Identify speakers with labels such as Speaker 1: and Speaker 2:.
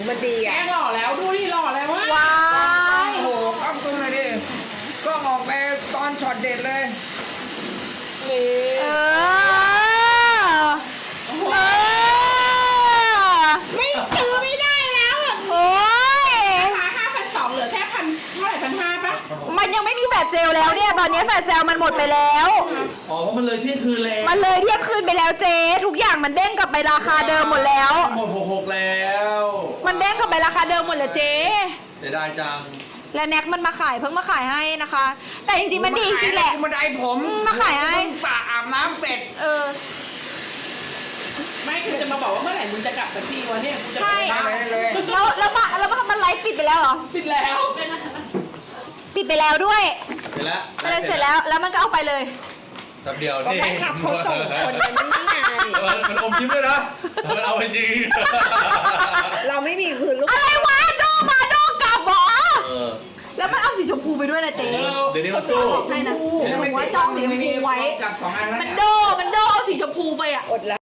Speaker 1: มันดี
Speaker 2: แก
Speaker 1: อ่ะ
Speaker 2: หล่อแล้วดูดิหล่อแล้ววะ
Speaker 3: ว้าย
Speaker 1: โอ้โหกล้องตัวเลยดิกล้องออกไปตอนช็อตเด็ดเลยนี่
Speaker 3: เออ
Speaker 2: ไม่ซื้อไม่ได้แล้วอะ
Speaker 3: โอ้ย
Speaker 2: ราคา5,200เหลือแค่เท่าไหร่1,500ปะ
Speaker 3: มันยังไม่มีแฟลชเซลล์แล้วเนี่ย ตอนนี้แฟลชเซลล์มันหมดไปแล้ว
Speaker 4: อ๋อเพราะมันเลยเที่ยงคืนแล้ว
Speaker 3: มันเลยเที่ยงคืนไปแล้วเจ๊ทุกอย่างมันเด้งกลับไปราคาเดิมหมดแล้ว
Speaker 4: หมด66แล้ว
Speaker 3: มันเด้งกลับไปราคาเดิมหมดเลยเจ๊
Speaker 4: เสียดายจัง
Speaker 3: และแน็กมันมาขายเพิ่งมาขายให้นะคะ แต่จริงๆมันดีจริงๆแหละ
Speaker 1: มันได้ผม
Speaker 3: มาขายให้
Speaker 1: เพิ่งสระอาบน้ำเสร็จ
Speaker 3: เออ
Speaker 2: ไม่คือจะมาบอกว่าเมื่อไหร่มึงจะกลับสักทีวะเนี่ยกูจะ
Speaker 3: ใช่
Speaker 2: ไปบ้าน
Speaker 1: ไปเลย
Speaker 3: แล้วมันไลฟ์ปิดไปแล้วเหรอ
Speaker 2: ปิดแล้ว
Speaker 3: ปิดไปแล้วด้วย
Speaker 4: เสร็จแล้ว
Speaker 3: อะไรเสร็จแล้วแล้วมันก็เอาไปเลย
Speaker 4: แป๊บเดียว
Speaker 2: ก็
Speaker 4: นี่
Speaker 2: ไปขับเขาส่งคนกันนี่ไง
Speaker 4: มันอมยิ้มด้วยนะมันเอาไปจริง
Speaker 1: เราไม่มีคืนลูก
Speaker 3: อะไรวะโดมาโดกลับเหรอ
Speaker 4: เออ
Speaker 3: แล้วมันเอาสีชมพูไปด้วยนะเจ๊
Speaker 4: เดี๋ยวนี้มันสู้
Speaker 3: ใช่นะหนูว่าจองสีชมพูไว้
Speaker 1: กับสองอันแล้ว
Speaker 3: มัน
Speaker 1: เนี่ย
Speaker 3: โดเอาสีชมพูไปอ่ะ
Speaker 1: อดแล้ว